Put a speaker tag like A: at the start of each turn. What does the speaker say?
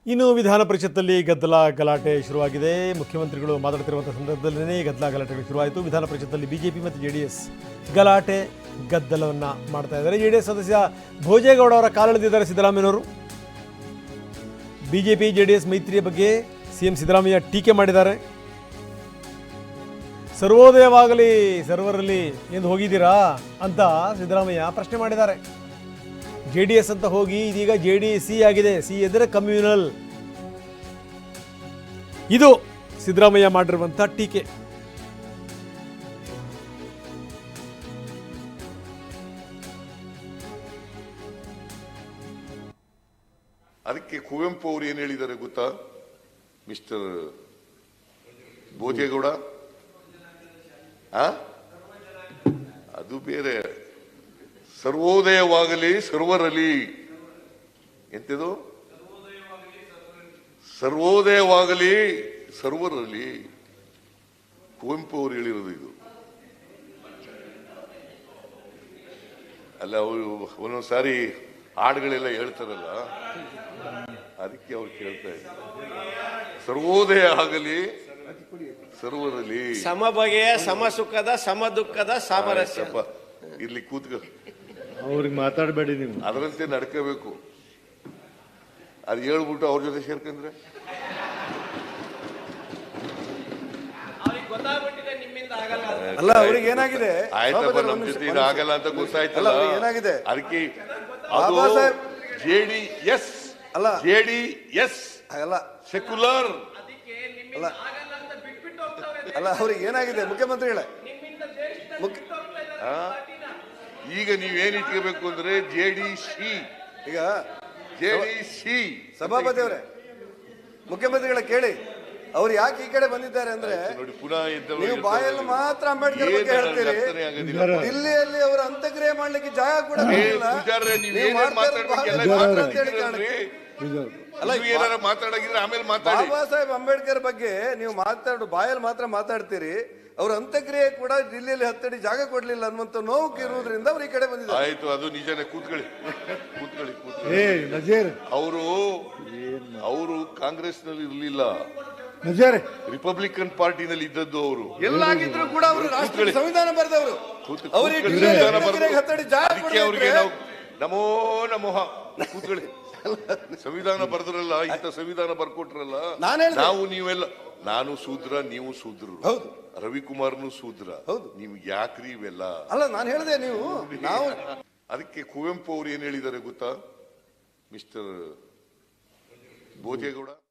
A: ಇನ್ನು ವಿಧಾನ ಪರಿಷತ್ತಲ್ಲಿ ಗದ್ದಲ ಗಲಾಟೆ ಶುರುವಾಗಿದೆ. ಮುಖ್ಯಮಂತ್ರಿಗಳು ಮಾತನಾಡುತ್ತಿರುವಂಥ ಸಂದರ್ಭದಲ್ಲೇ ಗದ್ದಲ ಗಲಾಟೆಗಳು ಶುರುವಾಯಿತು. ವಿಧಾನ ಪರಿಷತ್ತಲ್ಲಿ ಬಿಜೆಪಿ ಮತ್ತು ಜೆಡಿಎಸ್ ಗಲಾಟೆ ಗದ್ದಲವನ್ನು ಮಾಡ್ತಾ ಇದ್ದಾರೆ. ಜೆಡಿಎಸ್ ಸದಸ್ಯ ಭೋಜೇಗೌಡ ಅವರ ಕಾಲೆಳೆದಿದ್ದಾರೆ ಸಿದ್ದರಾಮಯ್ಯನವರು. ಬಿಜೆಪಿ ಜೆಡಿಎಸ್ ಮೈತ್ರಿಯ ಬಗ್ಗೆ ಸಿಎಂ ಸಿದ್ದರಾಮಯ್ಯ ಟೀಕೆ ಮಾಡಿದ್ದಾರೆ. ಸರ್ವೋದಯವಾಗಲಿ ಸರ್ವರಲ್ಲಿ ಎಂದು ಹೋಗಿದ್ದೀರಾ ಅಂತ ಸಿದ್ದರಾಮಯ್ಯ ಪ್ರಶ್ನೆ ಮಾಡಿದ್ದಾರೆ. JDS ಅಂತ ಹೋಗಿ ಇದೀಗ JDC ಆಗಿದೆ. ಸಿ ಎಂದರೆ ಕಮ್ಯುನಲ್. ಇದು ಸಿದ್ದರಾಮಯ್ಯ ಮಾಡಿರುವಂಥ ಟೀಕೆ.
B: ಅದಕ್ಕೆ ಕುವೆಂಪು ಅವರು ಏನು ಹೇಳಿದ್ದಾರೆ ಗೊತ್ತಾ ಮಿಸ್ಟರ್ ಭೋಜೇಗೌಡ? ಅದು ಬೇರೆ. ಸರ್ವೋದಯವಾಗಲಿ ಸರ್ವರಲ್ಲಿ ಎಂತದು? ಸರ್ವೋದಯವಾಗಲಿ ಸರ್ವರಲ್ಲಿ. ಕುವೆಂಪು ಅವರು ಹೇಳಿರೋದು ಇದು. ಅಲ್ಲ, ಅವರು ಒಂದೊಂದ್ಸಾರಿ ಹಾಡುಗಳೆಲ್ಲ ಹೇಳ್ತಾರಲ್ಲ, ಅದಕ್ಕೆ ಅವ್ರು ಕೇಳ್ತಾ ಇದ್ದಾರೆ. ಸರ್ವೋದಯ ಆಗಲಿ ಸರ್ವರಲ್ಲಿ,
C: ಸಮ ಬಗೆಯ ಸಮ ಸುಖದ ಸಮ ದುಃಖದ ಸಾಮರಸ್ಯ.
B: ಇಲ್ಲಿ ಕೂತ್ಕೊ,
D: ಅವ್ರಿಗೆ ಮಾತಾಡಬೇಡಿ ನೀವು.
B: ಅದರಂತೆ ನಡ್ಕೋಬೇಕು. ಅದು ಹೇಳ್ಬಿಟ್ಟು ಅವ್ರ ಜೊತೆ ಸೇರ್ಕಂದ್ರೆ
E: ಅಲ್ಲ, ಅವ್ರಿಗೆ ಏನಾಗಿದೆ?
B: ಆಯ್ತಪ್ಪ, ನಮ್ ಜೊತೆ ಆಗಲ್ಲ ಅಂತ ಗೊತ್ತಾಯ್ತಲ್ಲ.
E: ಏನಾಗಿದೆ?
B: ಅದಕ್ಕೆ ಅದು JDS ಅಲ್ಲ, JDS ಅಲ್ಲ, ಸೆಕ್ಯುಲರ್
E: ಅಲ್ಲ. ಅಲ್ಲ, ಅವ್ರಿಗೆ ಏನಾಗಿದೆ? ಮುಖ್ಯಮಂತ್ರಿಗಳೇ,
B: ಈಗ ನೀವೇನ್ ಇಟ್ಕೋಬೇಕು ಅಂದ್ರೆ JDC.
E: ಈಗ
B: JDC
E: ಸಭಾಪತಿ ಅವರೇ, ಮುಖ್ಯಮಂತ್ರಿಗಳ ಕೇಳಿ, ಅವ್ರು ಯಾಕೆ ಈ ಕಡೆ ಬಂದಿದ್ದಾರೆ ಅಂದ್ರೆ,
B: ನೋಡಿ, ಪುನಃ
E: ನೀವು ಬಾಯಲ್ಲಿ ಮಾತ್ರ ಅಂಬೇಡ್ಕರ್ ಬಗ್ಗೆ ಹೇಳ್ತೀರಿ, ದಿಲ್ಲಿಯಲ್ಲಿ ಅವರ ಅಂತ್ಯಕ್ರಿಯೆ ಮಾಡ್ಲಿಕ್ಕೆ ಜಾಗ ಕೂಡ
B: ಮಾತಾಡಗಿದ್ರೆ ಆಮೇಲೆ ಮಾತಾಡಿ.
E: ಬಾಬಾ ಸಾಹೇಬ್ ಅಂಬೇಡ್ಕರ್ ಬಗ್ಗೆ ನೀವು ಬಾಯಲ್ಲಿ ಮಾತ್ರ ಮಾತಾಡ್ತೀರಿ, ಅವ್ರ ಅಂತ್ಯಕ್ರಿಯೆ ಕೂಡ ದಿಲ್ಲಿಯಲ್ಲಿ ಹತ್ತಡಿ ಜಾಗ ಕೊಡ್ಲಿಲ್ಲ ಅನ್ನುವಂತ ನೋವು ಇರುವುದರಿಂದ ಅವ್ರು ಈ ಕಡೆ ಬಂದಿದ್ದಾರೆ.
B: ಆಯ್ತು, ಅದು ನಿಜನೇ. ಕೂತ್ಕೊಳ್ಳಿ. ಅವರು ಕಾಂಗ್ರೆಸ್ ನಲ್ಲಿ ಇರ್ಲಿಲ್ಲ, ರಿಪಬ್ಲಿಕನ್ ಪಾರ್ಟಿನಲ್ಲಿ ಇದ್ದದ್ದು. ಅವರು
E: ಎಲ್ಲಾಗಿದ್ರು ಕೂಡ ಅವರು ರಾಷ್ಟ್ರೀಯ ಸಂವಿಧಾನ ಬರೆದವರು.
B: ಅವರಿಗೆ ನಾವು ನಮೋ ನಮೋಹ ಕೂತ್ಕೊಳ್ಳಿ. ಸಂವಿಧಾನ ಬರೆದ್ರಲ್ಲ, ಇಂಥ ಸಂವಿಧಾನ ಬರ್ಕೊಟ್ರಲ್ಲ. ನಾವು ನೀವೆಲ್ಲ, ನಾನು ಶೂದ್ರ, ನೀವು ಶೂದ್ರರು, ರವಿಕುಮಾರ್ನು ಶೂದ್ರ. ನಿಮ್ಗೆ ಯಾಕ್ರಿ ಇವೆಲ್ಲ?
E: ಅಲ್ಲ, ನಾನು ಹೇಳಿದೆ ನೀವು ನಾವು.
B: ಅದಕ್ಕೆ ಕುವೆಂಪು ಅವರು ಏನ್ ಹೇಳಿದ್ದಾರೆ ಗೊತ್ತಾ ಮಿಸ್ಟರ್ ಭೋಜೇಗೌಡ?